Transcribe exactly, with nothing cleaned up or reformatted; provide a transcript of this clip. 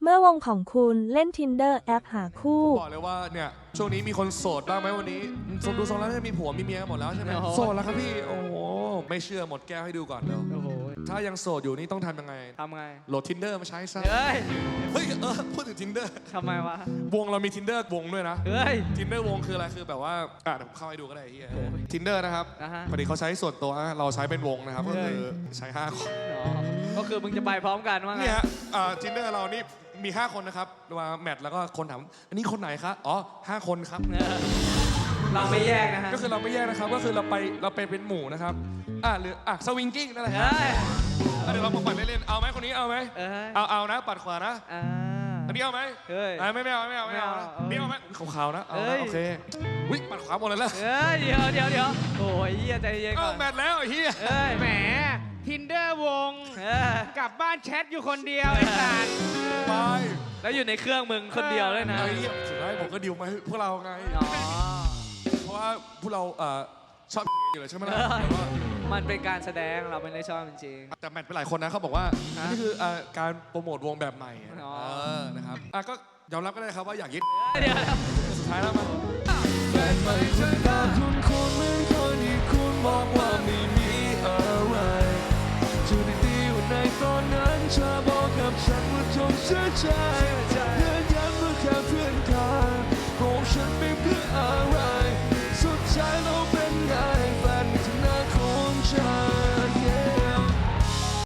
มื่อวงของคุณเล่น Tinder แอปหาคู่บอกเลยว่าเนี่ยช่วงนี้มีคนโสดบ้างไหมวันนี้สมดูทรงแล้วมีผัวมีเมียหมดแล้วใช่ไหมโสดแล้วครับพี่โอ้โหไม่เชื่อหมดแก้วให้ดูก่อนเร็วถ้ายังโสดอยู่นี่ต้องทำยังไงทำไงโหลด Tinder มาใช้ซะเฮ้ยเฮ้ยเออพูดถึง Tinder ทำไมวะวงเรามี Tinder วงด้วยนะเฮ้ย Tinder วงคืออะไรคือแบบว่าอ่ะเดี๋ยวผมเข้าให้ดูก็ได้ที่ Tinder นะครับอ่าฮะพอดีเขาใช้ส่วนตัวเราใช้เป็นวงนะครับก็คือใช้ห้าคนก็คือมึงจะไปพร้อมกันว่าไงเนี่ยอ่า Tinder เรานี่มีห้าคนนะครับมาแมทแล้วก็คนถามอันนี้คนไหนครับอ๋อห้าคนครับเราไม่แยกนะฮะก็คือเราไม่แยกนะครับก็คือเราไปเราไปเป็นหมู่นะครับอ่ะหรืออ่ะสวิงกิ้งนั่นแหละครับเดี๋ยวเรามาปัดเล่นๆเอาไหมคนนี้เอาไหมเอาเอานะปัดขวานะอันนี้เอาไหมเฮ้ยไม่ไม่เอาไม่เอาไม่เอานี่เอาไหมขาวๆนะเอานะโอเควิปัดขวาหมดเลยแล้วเฮ้ยเดี๋ยวเดี๋ยวเดี๋ยวโอ้ยเฮียใจเย็นก่อนแมทแล้วไอ้เฮียแหม Tinder วงกลับบ้านแชทอยู่คนเดียวไอ้สัสไปแล้วอยู่ในเครื่องมึงคนเดียวเลยนะไอ้เหี้ยสุดท้ายผมก็ดิวมาพวกเราไงเพราะว่าพวกเราชอบอยู่เลยใช่ไหมล่ะมันเป็นการแสดงเราไม่ได้ชอบจริงแต่แมทไปหลายคนนะเขาบอกว่านี่คือการโปรโมทวงแบบใหม่นะครับอ่ะก็ยอมรับก็ได้ครับว่าอยากยึดเดี๋ยวสุดท้ายแล้วมันแฟนใหม่เธอตาคุณคนเหมือนคนที่คุณบอกว่าไม่มีอะไรจูดีดีวันในตอนนั้นเธอบอกกับฉันว่าจงเชื่อใจ